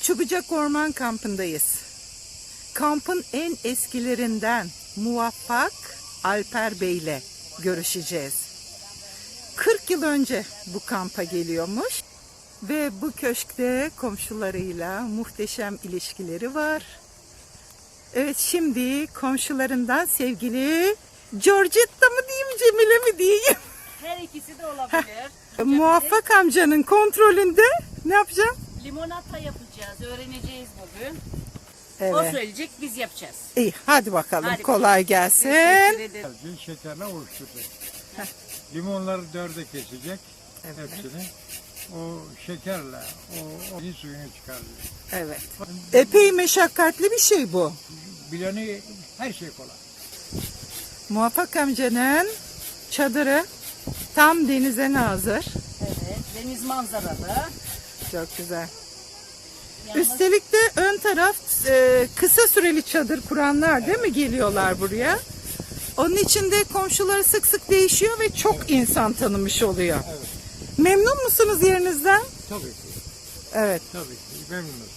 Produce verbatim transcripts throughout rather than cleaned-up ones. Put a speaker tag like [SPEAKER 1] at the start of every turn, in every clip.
[SPEAKER 1] Çubucak Orman Kampı'ndayız. Kampın en eskilerinden Muvaffak Alper Bey ile görüşeceğiz. kırk yıl önce bu kampa geliyormuş ve bu köşkte komşularıyla muhteşem ilişkileri var. Evet, şimdi komşularından sevgili Georgetta mı diyeyim, Cemile mi diyeyim?
[SPEAKER 2] Her ikisi de olabilir.
[SPEAKER 1] Muvaffak amcanın kontrolünde ne yapacağım?
[SPEAKER 2] Limonata yapacağız. Öğreneceğiz bugün. O
[SPEAKER 1] Evet.
[SPEAKER 2] söyleyecek, biz yapacağız.
[SPEAKER 1] İyi, hadi bakalım.
[SPEAKER 2] Hadi
[SPEAKER 1] Kolay
[SPEAKER 2] bakalım.
[SPEAKER 1] gelsin.
[SPEAKER 2] Teşekkür ederim.
[SPEAKER 3] Sadece şekerle oluşturacak. Limonları dörde kesecek.
[SPEAKER 1] Evet.
[SPEAKER 3] Hepsini. O şekerle o, o suyunu çıkarıyor.
[SPEAKER 1] Evet. Epey meşakkatli bir şey bu.
[SPEAKER 3] Bileni her şey kolay.
[SPEAKER 1] Muvaffak amcanın çadırı tam denize nazır.
[SPEAKER 2] Evet, deniz manzaralı.
[SPEAKER 1] Çok güzel.
[SPEAKER 2] Yalnız
[SPEAKER 1] Üstelik de ön taraf e, kısa süreli çadır kuranlar değil mi geliyorlar buraya? Onun için de komşuları sık sık değişiyor ve çok insan tanımış oluyor.
[SPEAKER 3] Evet.
[SPEAKER 1] Memnun musunuz yerinizden?
[SPEAKER 3] Tabii ki.
[SPEAKER 1] Evet.
[SPEAKER 3] Tabii ki. Memnunuz.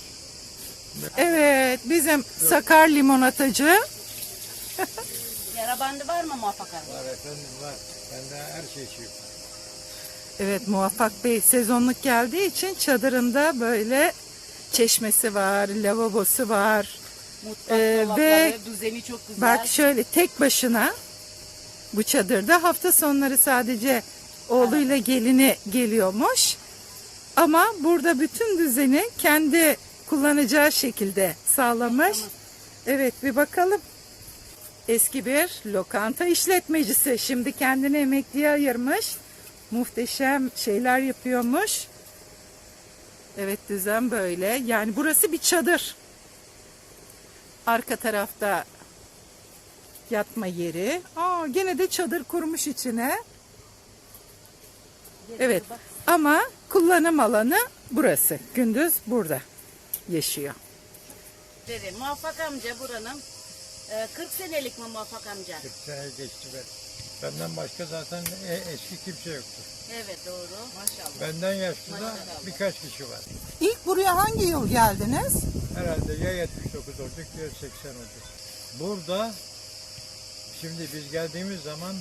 [SPEAKER 1] Evet, bizim Sakar limonatacı.
[SPEAKER 2] yara bandı var mı Muvaffak abi?
[SPEAKER 3] Var efendim var. Bende her şey şey var.
[SPEAKER 1] Evet, Muvaffak Bey sezonluk geldiği için çadırında böyle çeşmesi var, lavabosu var.
[SPEAKER 2] Mutfak
[SPEAKER 1] Ee,
[SPEAKER 2] dolapları,
[SPEAKER 1] ve
[SPEAKER 2] düzeni çok güzel.
[SPEAKER 1] Bak şöyle tek başına bu çadırda, hafta sonları sadece oğluyla gelini geliyormuş. Ama burada bütün düzeni kendi kullanacağı şekilde sağlamış. Evet, bir bakalım. Eski bir lokanta işletmecisi. Şimdi kendini emekliye ayırmış. Muhteşem şeyler yapıyormuş. Evet, düzen böyle. Yani burası bir çadır. Arka tarafta yatma yeri. Aa, gene de çadır kurmuş içine. Evet. Ama kullanım alanı burası. Gündüz burada yaşıyor.
[SPEAKER 2] Dedi, Muvaffak amca buranın e, kırk senelik mi Muvaffak amca?
[SPEAKER 3] kırk sene geçti ben. Benden başka zaten e, eski kimse yoktu.
[SPEAKER 2] Evet, doğru. Maşallah.
[SPEAKER 3] Benden yaşlı da
[SPEAKER 2] Maşallah.
[SPEAKER 3] birkaç kişi var.
[SPEAKER 1] İlk buraya hangi yıl geldiniz?
[SPEAKER 3] Herhalde ya yetmiş dokuz olacak ya seksen olacak. Burada şimdi biz geldiğimiz zaman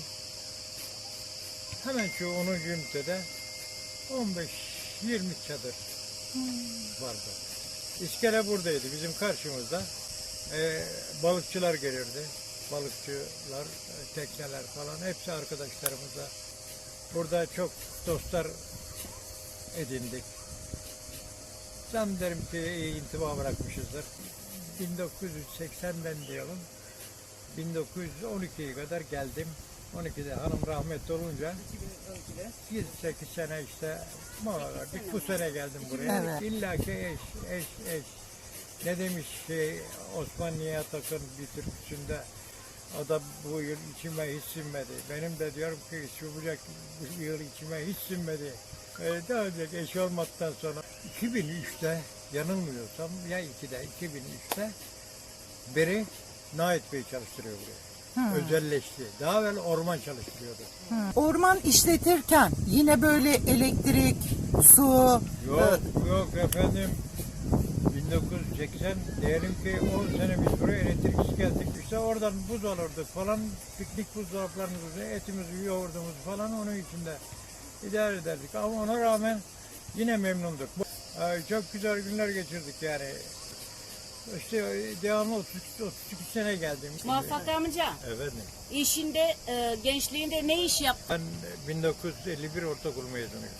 [SPEAKER 3] hemen şu onuncu ünitede on beş yirmi çadır vardı. İskele buradaydı bizim karşımızda. Ee, balıkçılar gelirdi. Balıkçılar, e, tekneler falan hepsi arkadaşlarımızla. Burada çok dostlar edindik. Zannederim ki iyi intiba bırakmışızdır. bin dokuz yüz seksenden diyelim. bin dokuz yüz on ikiye kadar geldim. on ikide hanım rahmetli olunca yedi sekiz sene işte mola verdik. Bu sene geldim buraya.
[SPEAKER 1] Evet.
[SPEAKER 3] İlla ki eş, eş, eş. Ne demiş şey Osman Nihat Akın bir türküsünde, o da bu yıl içime hiç sinmedi. Benim de diyorum ki çubucak bu yıl içime hiç sinmedi. Ee, daha önce eş olmaktan sonra iki bin üçte yanılmıyorsam ya ikide iki bin üçte beri Nait Bey çalıştırıyor buraya. Özelleşti. Daha evvel orman çalıştırıyordu.
[SPEAKER 1] Orman işletirken yine böyle elektrik, su,
[SPEAKER 3] Yok yok efendim. bin dokuz yüz seksen diyelim ki on sene biz buraya elektriksiz geldik. İşte oradan buz alırdık falan. Piknik buzdolaplarımızı, etimizi, yoğurdumuzu falan onun içinde idare ederdik. Ama ona rağmen yine memnunduk. Ay, çok güzel günler geçirdik yani. İşte devamlı otuz iki sene geldim.
[SPEAKER 2] Muvaffak amca,
[SPEAKER 3] Evet.
[SPEAKER 2] işinde, e, gençliğinde ne iş yaptın?
[SPEAKER 3] Ben bin dokuz yüz elli bir ortaokul mezunuyum.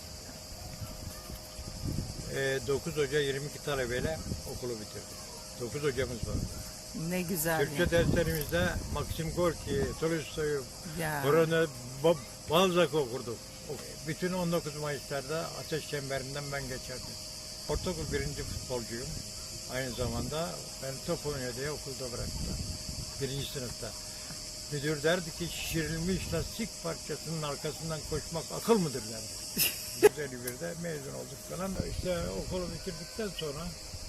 [SPEAKER 3] Ee, dokuz Hoca yirmi iki talebeyle okulu bitirdim. dokuz hocamız var.
[SPEAKER 1] ne güzel.
[SPEAKER 3] Türkçe derslerimizde Maxim Gorki, Tolstoy'u,
[SPEAKER 1] Ya.
[SPEAKER 3] Brune, Ba- Balzac okurduk. Bütün on dokuz Mayıs'larda ateş çemberinden ben geçerdim. Ortaokul birinci futbolcuyum. Aynı zamanda ben top oynuyor diye okulda bıraktılar. Birinci sınıfta. Müdür derdi ki şişirilmiş lastik parçasının arkasından koşmak akıl mıdır derdi. yüz elli birde mezun olduk falan. İşte okulu bitirdikten sonra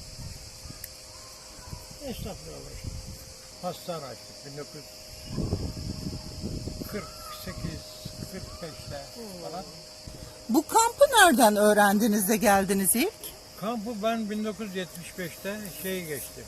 [SPEAKER 3] esnaflığa başladık. Hastane açtık bin dokuz yüz kırk sekiz kırk beşte falan.
[SPEAKER 1] Bu kampı nereden öğrendiniz de geldiniz ilk?
[SPEAKER 3] Kampı ben bin dokuz yüz yetmiş beşte şey geçtim.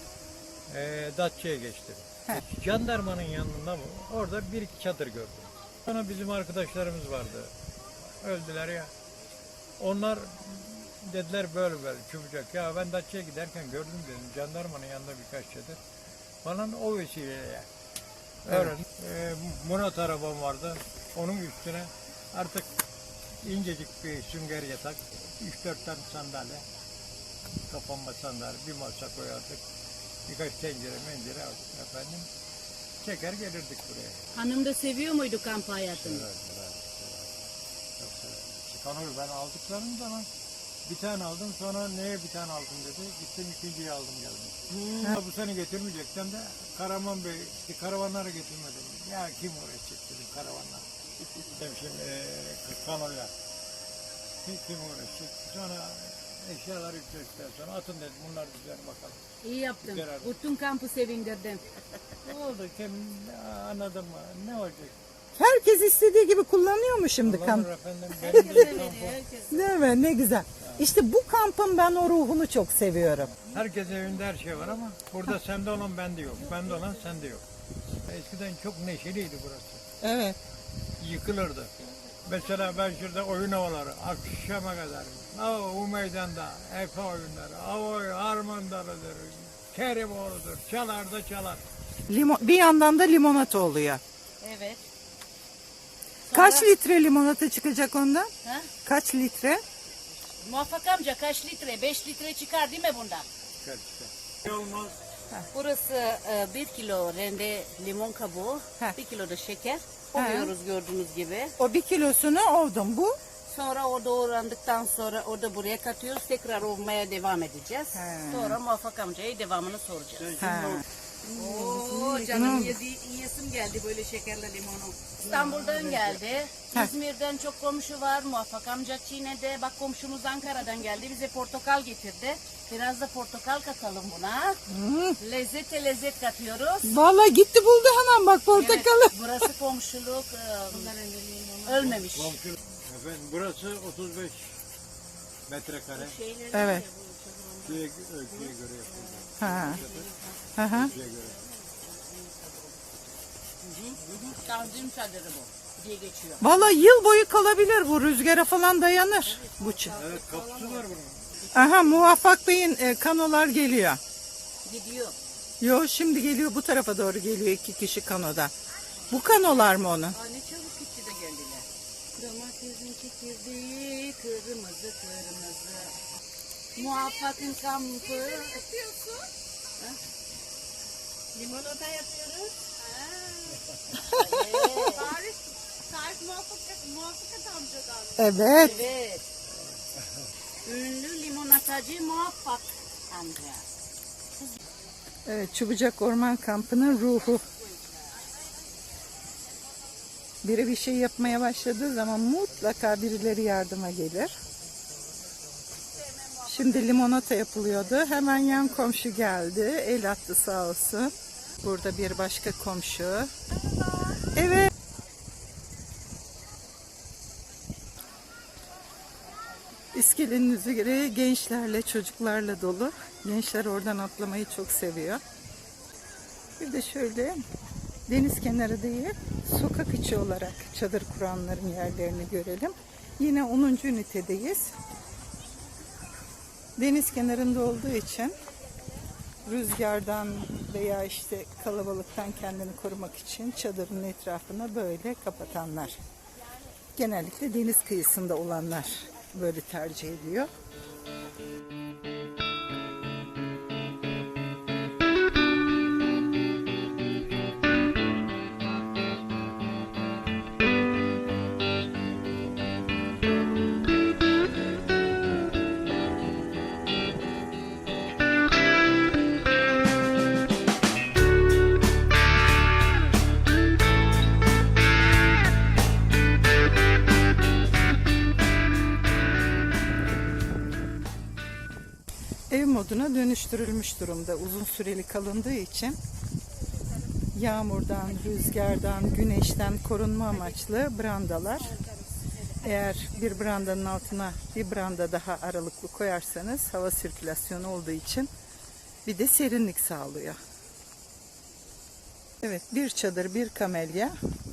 [SPEAKER 3] E, Datça'ya geçtim.
[SPEAKER 1] He.
[SPEAKER 3] Jandarmanın yanında mı? Orada bir iki çadır gördüm. Sonra bizim arkadaşlarımız vardı. Öldüler ya. Onlar dediler böyle böyle çabucak. Ya ben Datça'ya giderken gördüm dedim. Jandarmanın yanında birkaç çadır. Bana o vesileyle. Öyle. E, Murat arabam vardı. Onun üstüne artık incecik bir sünger yatak, üç dört tane sandalye, kapanma sandalye, bir masa koyardık. Birkaç tencere mencere aldık efendim. Çeker gelirdik buraya.
[SPEAKER 2] Hanım da seviyor muydu kamp hayatını?
[SPEAKER 3] Evet, evet, evet. Çok severim. Çıkanır ben aldıklarım zaman bir tane aldım, sonra neye bir tane aldım dedi. Gittim ikinciyi aldım geldim. Hmm. Bu sene getirmeyeceksem de Karaman Bey, işte karavanları getirmedim. Ya kim uğraşacak dedim karavanlar. Dedim şimdi e, kanoyla. Kim, kim uğraşacak? Sonra eşyalar yükledikten sonra atın dedim bunlar güzel bakalım.
[SPEAKER 2] İyi yaptın.
[SPEAKER 3] Güzel.
[SPEAKER 2] Bütün kampı sevindirdin.
[SPEAKER 3] Ne oldu kim anladın mı? Ne olacak?
[SPEAKER 1] Herkes istediği gibi kullanıyor mu şimdi kamp?
[SPEAKER 3] Kullanır efendim. Benim de kampım.
[SPEAKER 1] Değil mi? Ne güzel. İşte bu kampın ben o ruhunu çok seviyorum.
[SPEAKER 3] Herkes evinde her şey var ama burada sende olan bende yok. Bende olan sende yok. Eskiden çok neşeliydi burası.
[SPEAKER 1] Evet.
[SPEAKER 3] Yıkılırdı. Mesela ben şurada oyun havaları akşama kadar. Aa, o meydanda Efe oyunları, Avoy, Harman Dalı'dır, Kerimoğlu'dur. Çalar da çalar.
[SPEAKER 1] Limon, bir yandan da limonata oluyor.
[SPEAKER 2] Evet.
[SPEAKER 1] Kaç litre limonata çıkacak ondan?
[SPEAKER 2] Ha?
[SPEAKER 1] Kaç litre?
[SPEAKER 2] Muvaffak amca kaç litre? beş litre çıkar değil mi bundan?
[SPEAKER 3] Çıkar çıkar. Ne olmaz.
[SPEAKER 2] Burası e, bir kilo rende limon kabuğu,
[SPEAKER 1] Heh.
[SPEAKER 2] bir kilo da şeker.
[SPEAKER 1] He.
[SPEAKER 2] Koyuyoruz gördüğünüz gibi.
[SPEAKER 1] O bir kilosunu oldum bu.
[SPEAKER 2] Sonra o doğrandıktan sonra o da buraya katıyoruz. Tekrar ovmaya devam edeceğiz.
[SPEAKER 1] He.
[SPEAKER 2] Sonra Muvaffak amcaya devamını soracağız.
[SPEAKER 1] Ha.
[SPEAKER 2] Oo canım yedi, yiyesim geldi böyle şekerli limonu. İstanbul'dan geldi.
[SPEAKER 1] Heh.
[SPEAKER 2] İzmir'den çok komşu var. Muvaffak amca Çiğne'de. Bak komşumuz Ankara'dan geldi. Bize portakal getirdi. Biraz da portakal katalım buna.
[SPEAKER 1] Hmm.
[SPEAKER 2] Lezzete lezzet katıyoruz.
[SPEAKER 1] Vallahi gitti buldu hemen bak portakalı.
[SPEAKER 2] Evet, burası komşuluk. e, ölmemiş.
[SPEAKER 3] Komşu. Efendim burası otuz beş metrekare.
[SPEAKER 1] Evet.
[SPEAKER 3] Şeye, ölçüye göre yapıldı.
[SPEAKER 1] Ha. Hı hı.
[SPEAKER 3] Ölçüye göre.
[SPEAKER 2] Tanzim çadırı bu diye geçiyor.
[SPEAKER 1] Vallahi yıl boyu kalabilir bu, rüzgara falan dayanır bu çı-
[SPEAKER 3] Evet kapısı var bunun.
[SPEAKER 1] Aha, Muvaffak Bey'in e, kanolar geliyor.
[SPEAKER 2] Gidiyor.
[SPEAKER 1] Yo, şimdi geliyor, bu tarafa doğru geliyor iki kişi kanoda. Bu kanolar mı onun?
[SPEAKER 2] Aa, ne çabuk gitti de geldiler. Domatesin çekirdeği kırmızı kırmızı. Muvaffak'ın kampı. Ne yapıyorsun? Ha? Limonata yapıyoruz.
[SPEAKER 4] Tarih, tarih muvaffak, muvaffakat amcadan.
[SPEAKER 1] Evet.
[SPEAKER 2] Evet. Ünlü limonatacı Muvaffak amca.
[SPEAKER 1] Evet, Çubucak Orman Kampı'nın ruhu. Biri bir şey yapmaya başladığı zaman mutlaka birileri yardıma gelir. Şimdi limonata yapılıyordu. Hemen yan komşu geldi. El attı sağ olsun. Burada bir başka komşu. Evet. İskelenin üzeri gençlerle, çocuklarla dolu. Gençler oradan atlamayı çok seviyor. Bir de şöyle deniz kenarı değil, sokak içi olarak çadır kuranların yerlerini görelim. Yine onuncu ünitedeyiz. Deniz kenarında olduğu için rüzgardan veya işte kalabalıktan kendini korumak için çadırın etrafını böyle kapatanlar. Genellikle deniz kıyısında olanlar böyle tercih ediyor. Ev moduna dönüştürülmüş durumda. Uzun süreli kalındığı için yağmurdan, rüzgardan, güneşten korunma amaçlı brandalar. Eğer bir brandanın altına bir branda daha aralıklı koyarsanız hava sirkülasyonu olduğu için bir de serinlik sağlıyor. Evet, bir çadır, bir kamelya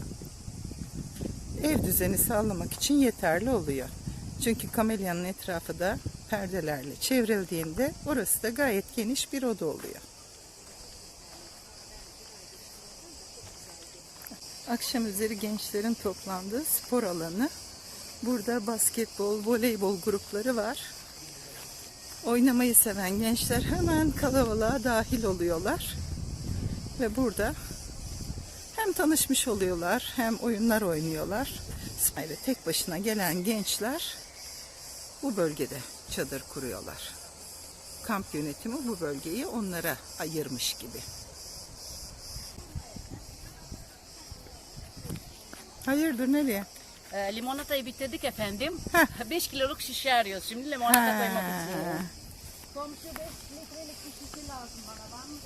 [SPEAKER 1] ev düzeni sağlamak için yeterli oluyor. Çünkü kamelyanın etrafı da perdelerle çevrildiğinde orası da gayet geniş bir oda oluyor. Akşam üzeri gençlerin toplandığı spor alanı. Burada basketbol, voleybol grupları var. Oynamayı seven gençler hemen kalabalığa dahil oluyorlar. Ve burada hem tanışmış oluyorlar hem oyunlar oynuyorlar. Ayrıca tek başına gelen gençler bu bölgede çadır kuruyorlar. Kamp yönetimi bu bölgeyi onlara ayırmış gibi. Hayırdır, nereye?
[SPEAKER 2] Ee, limonatayı bitirdik efendim.
[SPEAKER 1] Heh.
[SPEAKER 2] beş kiloluk şişe arıyoruz. Şimdi limonata
[SPEAKER 1] Ha.
[SPEAKER 2] koymak için. Komşu beş litrelik bir şişe lazım bana. Var mı?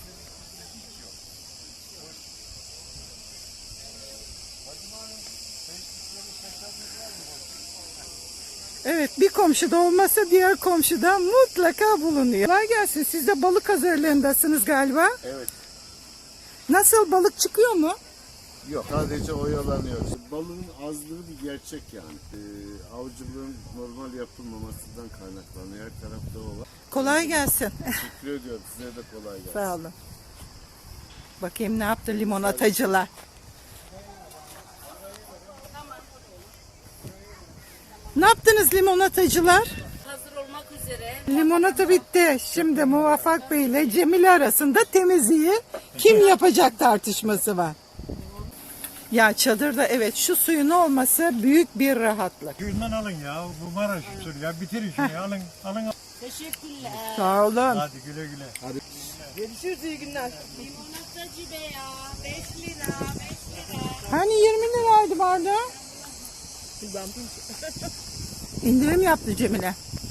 [SPEAKER 1] Evet, bir komşuda olmasa diğer komşuda mutlaka bulunuyor. Kolay gelsin. Siz de balık hazırlığındasınız galiba.
[SPEAKER 5] Evet.
[SPEAKER 1] Nasıl, balık çıkıyor mu?
[SPEAKER 5] Yok. Sadece oyalanıyoruz. Balığın azlığı bir gerçek yani. Ee, avcılığın normal yapılmamasından kaynaklanıyor. Her tarafta o var.
[SPEAKER 1] Kolay gelsin.
[SPEAKER 5] Teşekkür ediyorum. Size de kolay gelsin.
[SPEAKER 1] Sağ olun. Bakayım ne yaptı limonatacılar. Ne yaptınız limonatacılar?
[SPEAKER 2] Hazır olmak üzere.
[SPEAKER 1] Limonata bitti. Şimdi Muvaffak Bey ile Cemile arasında temizliği kim yapacak tartışması var. Ya çadırda evet şu suyun olması büyük bir rahatlık.
[SPEAKER 3] Suyundan alın ya. Bu Maraş usulü ya. Bitirin şunu ya. Alın, alın.
[SPEAKER 2] Teşekkürler.
[SPEAKER 1] Sağ olun.
[SPEAKER 3] Hadi güle güle.
[SPEAKER 2] Limonatacı be ya. beş lira. beş lira.
[SPEAKER 1] Hani yirmi liraydı bardağı? İndirim yaptı Cemile.